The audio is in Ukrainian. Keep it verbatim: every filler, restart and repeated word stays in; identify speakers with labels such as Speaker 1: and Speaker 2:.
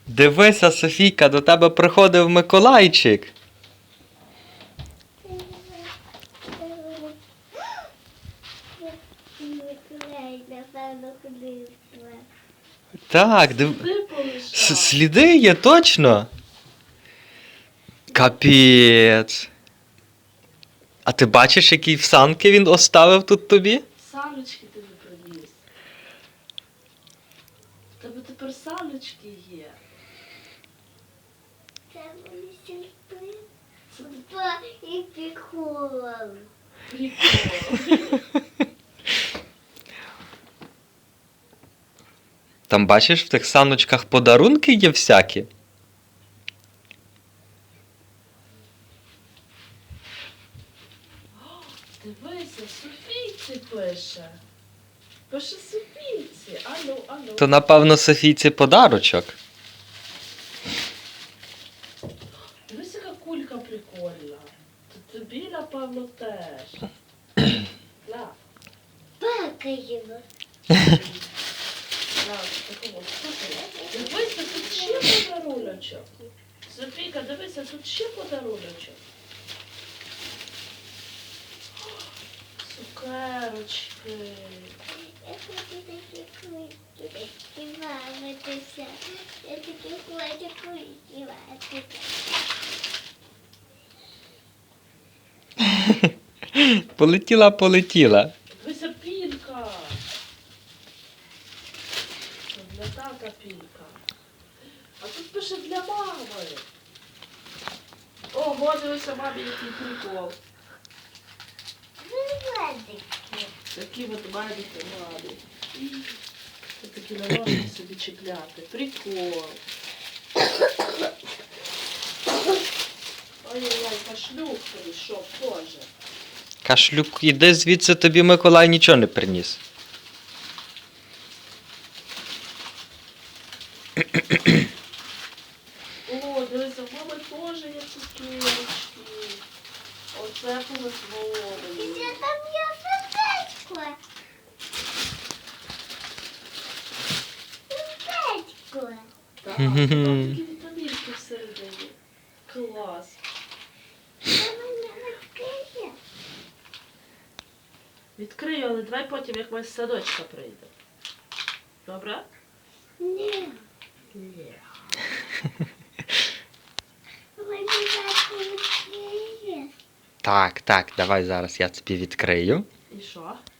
Speaker 1: Дивися, Софійка, до тебе приходив Миколайчик.
Speaker 2: Миколай, напевно, ходив.
Speaker 1: Так, див...
Speaker 3: Сліди
Speaker 1: С-
Speaker 3: полишав.
Speaker 1: сліди є, точно. Капець. А ти бачиш, які всанки він оставив тут тобі?
Speaker 3: Саночки тобі приніс. В тебе тепер саночки є.
Speaker 2: Це вони сюрприз. Па і прикол.
Speaker 3: Прикол.
Speaker 1: Там бачиш, в тих саночках подарунки є всякі.
Speaker 3: Дивися, Софійці пише. Пише Софійці. Алло, алло.
Speaker 1: То, напевно, Софійці подарочок.
Speaker 3: Дивись, яка кулька прикольна. То тобі, напевно, теж. На,
Speaker 2: Пакаємо.
Speaker 3: на, такого. Слухай, дивися, тут ще подаруночок. Софійка, дивися, тут ще подаруночок. Цукерочки.
Speaker 2: Я хочу такі кульки, такі бавитися. Я такі хочу кульки бавитися.
Speaker 1: Полетіла, полетіла.
Speaker 3: Дивися, пілька. Це для тата пілька. А тут пише для мами. Ого, дивися, мамі, який прикол.
Speaker 2: Виводики.
Speaker 3: Такі от маленькі мамі. Це такі на ножки собі чіпляти. Прикол. Ой-ой-ой, кашлюк прийшов теж.
Speaker 1: Кашлюк, іди звідси, тобі Миколай нічого не приніс.
Speaker 3: О, дивися, в мами теж є цукерочки. Оце повезло
Speaker 2: І
Speaker 3: мені.
Speaker 2: це там є сердечко. Сердечко.
Speaker 3: Так, там такі вітамінки всередині. Клас.
Speaker 2: Це мене відкриє.
Speaker 3: Відкрию, але давай потім, як ми з садочка прийде. Добре?
Speaker 2: Ні.
Speaker 3: Ні.
Speaker 2: Мені так відкриє.
Speaker 1: Так, так, давай зараз я тобі відкрию.
Speaker 3: І що?